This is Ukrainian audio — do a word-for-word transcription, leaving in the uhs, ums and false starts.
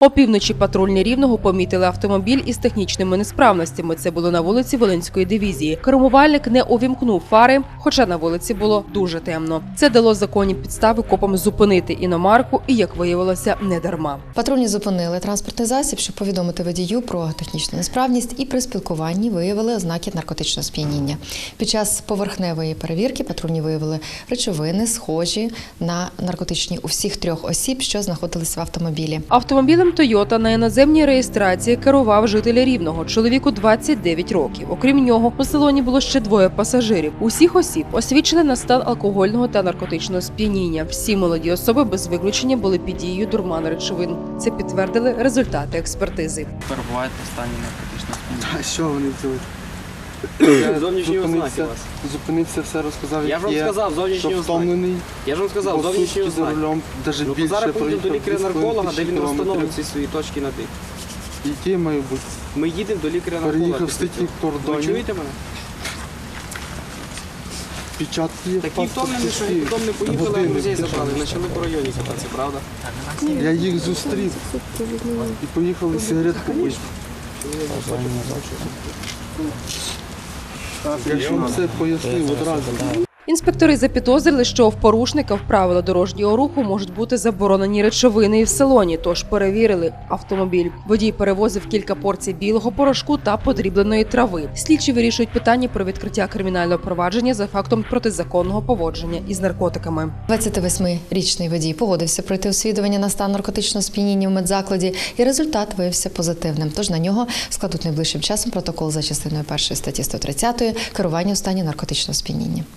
Опівночі патрульні Рівного помітили автомобіль із технічними несправностями. Це було на вулиці Волинської дивізії. Кермувальник не увімкнув фари, хоча на вулиці було дуже темно. Це дало законні підстави копам зупинити іномарку і, як виявилося, не дарма. Патрульні зупинили транспортний засіб, щоб повідомити водію про технічну несправність, і при спілкуванні виявили ознаки наркотичного сп'яніння. Під час поверхневої перевірки патрульні виявили речовини, схожі на наркотичні у всіх трьох осіб, що знаходились в автомобілі. Автомобілем «Тойота» на іноземній реєстрації керував житель Рівного, чоловіку двадцять дев'ять років. Окрім нього, у салоні було ще двоє пасажирів. Усіх осіб освідчили на стан алкогольного та наркотичного сп'яніння. Всі молоді особи без виключення були під дією дурману речовин. Це підтвердили результати експертизи. Перебувають в стані наркотичного сп'яніння. А що вони взяли? Зовнішні ознаки Зупинився, вас. зупинився, все розказав, Я ж вам як є, сказав, зовнішні що ознаки. втомлений, Я ж вам сказав, по зовнішні сутки за ознаки. рулем, навіть Ну, то більше зараз поїдемо до проїхав, лікаря-нарколога, де він кілометрів. розстановить ці свої точки на тих. Які має бути? Ми їдемо до лікаря-нарколога. Переїхав після з тих цього. Ви кордонів. чуєте мене? Печатки є, Такі паспорт, втомлені, що всі. потім не поїхали, а Години друзей печатки. забрали. Почали по районі кататися, правда? Я їх зустрів і поїхали сигарет купити. Я ж вам все пояснив одразу. Інспектори запідозрили, що в порушника в правила дорожнього руху можуть бути заборонені речовини і в салоні, тож перевірили автомобіль. Водій перевозив кілька порцій білого порошку та подрібленої трави. Слідчі вирішують питання про відкриття кримінального провадження за фактом протизаконного поводження із наркотиками. двадцятивосьмирічний водій погодився пройти освідування на стан наркотичного сп'яніння в медзакладі, і результат виявився позитивним. Тож на нього складуть найближчим часом протокол за частиною першої статті сто тридцять керування у стані наркотичного сп'яніння.